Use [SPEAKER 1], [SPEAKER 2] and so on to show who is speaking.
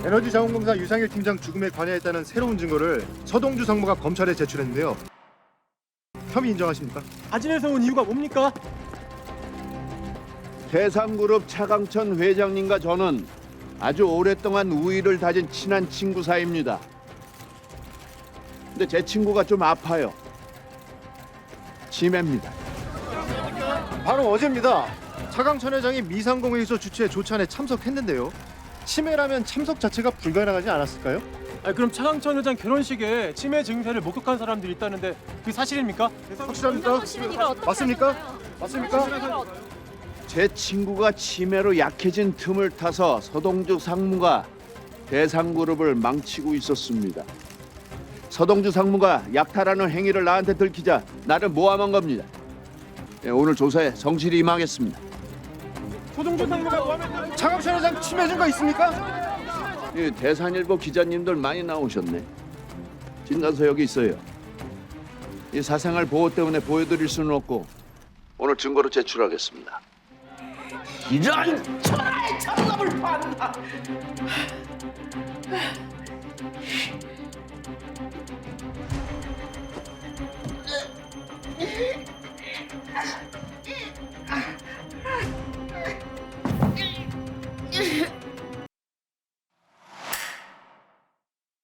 [SPEAKER 1] 에너지자원공사 유상일 팀장 죽음에 관여했다는 새로운 증거를 서동주 상무가 검찰에 제출했는데요. 혐의 인정하십니까?
[SPEAKER 2] 사진에서 온 이유가 뭡니까?
[SPEAKER 3] 대상그룹 차강천 회장님과 저는 아주 오랫동안 우위를 다진 친한 친구 사이입니다. 근데 제 친구가 좀 아파요. 치매입니다.
[SPEAKER 1] 바로 어제입니다. 차강천 회장이 미상공회의소 주최 조찬에 참석했는데요. 치매라면 참석 자체가 불가능하지 않았을까요?
[SPEAKER 2] 그럼 차강천 회장 결혼식에 치매 증세를 목격한 사람들이 있다는데 그게 사실입니까?
[SPEAKER 1] 확실합니까? 맞습니까? 맞습니까?
[SPEAKER 3] 제 친구가 치매로 약해진 틈을 타서 서동주 상무가 대상그룹을 망치고 있었습니다. 서동주 상무가 약탈하는 행위를 나한테 들키자 나를 모함한 겁니다. 오늘 조사에 성실히 임하겠습니다.
[SPEAKER 2] 소동주 상무가 모함했다는
[SPEAKER 1] 차강천 회장 치매 증거 있습니까?
[SPEAKER 3] 대산일보 기자님들 많이 나오셨네. 진단서 여기 있어요. 이 사생활 보호 때문에 보여드릴 수는 없고 오늘 증거로 제출하겠습니다.
[SPEAKER 4] 이런 천하의 장갑을 봤나?